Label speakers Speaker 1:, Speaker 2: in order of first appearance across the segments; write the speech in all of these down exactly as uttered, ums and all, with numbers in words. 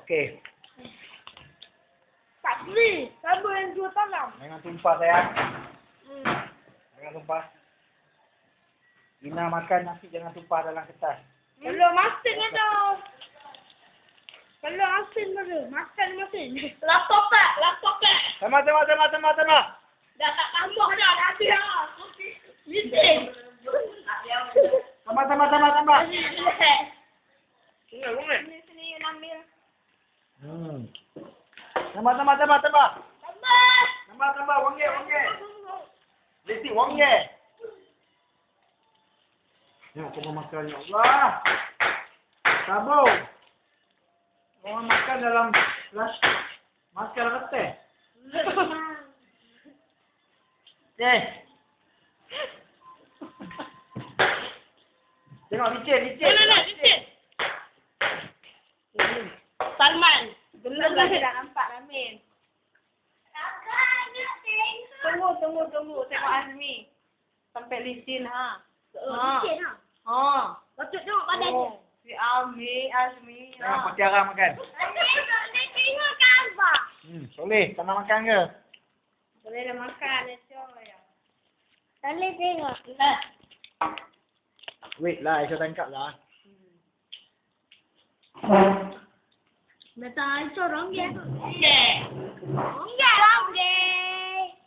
Speaker 1: Okey.
Speaker 2: Tak boleh. Sama yang dua talam.
Speaker 1: Jangan tumpah sayang.
Speaker 2: Hmm.
Speaker 1: Jangan tumpah. Ina makan nasi jangan tumpah dalam kertas.
Speaker 2: Kalau masin ada. Kalau asin ada. Makan masin. Laptop tak? Laptop tak?
Speaker 1: Sama, sama, sama, sama, sama.
Speaker 2: Dah tak tambah dah. Dah habis dah. Meeting.
Speaker 1: Sama, sama, sama, sama.
Speaker 2: Sini, sini, sini, you ambil.
Speaker 1: Hmm. Sama, sama, sama, sama.
Speaker 2: Tambah.
Speaker 1: Sama, sama, wangi, wangi. Lesti, wangi. Ya, aku mau makan, ya Allah. Sabar. Orang makan dalam plastik. Makan reteh. Eh. Tengok, licin, licin.
Speaker 2: Mana nak licin? Salman. Belum lagi dah nampak Ramin. Tunggu, tunggu, tunggu. Tengok Azmi. Sampai licin ha.
Speaker 3: Oh, licin ha.
Speaker 2: Ha.
Speaker 3: Patut tengok badan dia.
Speaker 2: Oh, si Azmi, Azmi.
Speaker 1: Jangan
Speaker 2: Ha.
Speaker 1: Patiara makan.
Speaker 3: Nak tengok gambar.
Speaker 1: Hmm, boleh. Tak nak makan ke?
Speaker 2: Boleh dah makan, Coy.
Speaker 3: Boleh tengok.
Speaker 2: Nah.
Speaker 1: Wait lah, Aisyah tangkap lah.
Speaker 3: Datang Aisyah orang dia.
Speaker 2: Okey.
Speaker 3: Enggak orang dia.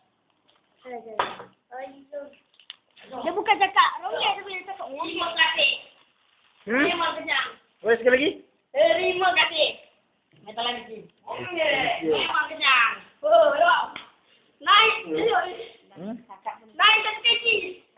Speaker 3: Dia bukan cakap orang dia, dia boleh cakap orang
Speaker 2: Terima
Speaker 3: dia.
Speaker 2: kasih.
Speaker 1: Hmm?
Speaker 2: Terima kenyang.
Speaker 1: Boleh sekali lagi?
Speaker 2: Terima kasih. Minta lagi sih. Okey. Terima kenyang. Oh, dok. Naik.
Speaker 1: Hmm?
Speaker 2: Naik satu kaki.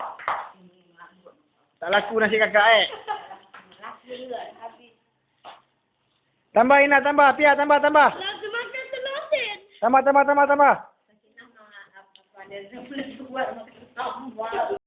Speaker 1: Tak laku nasi kakak eh.
Speaker 2: Laku juga habis.
Speaker 1: Tambah Ina, tambah. Pia, tambah, tambah.
Speaker 2: Laku makan selosin.
Speaker 1: Tambah, tambah, tambah, tambah.
Speaker 2: Apa dia boleh buat makan tambah.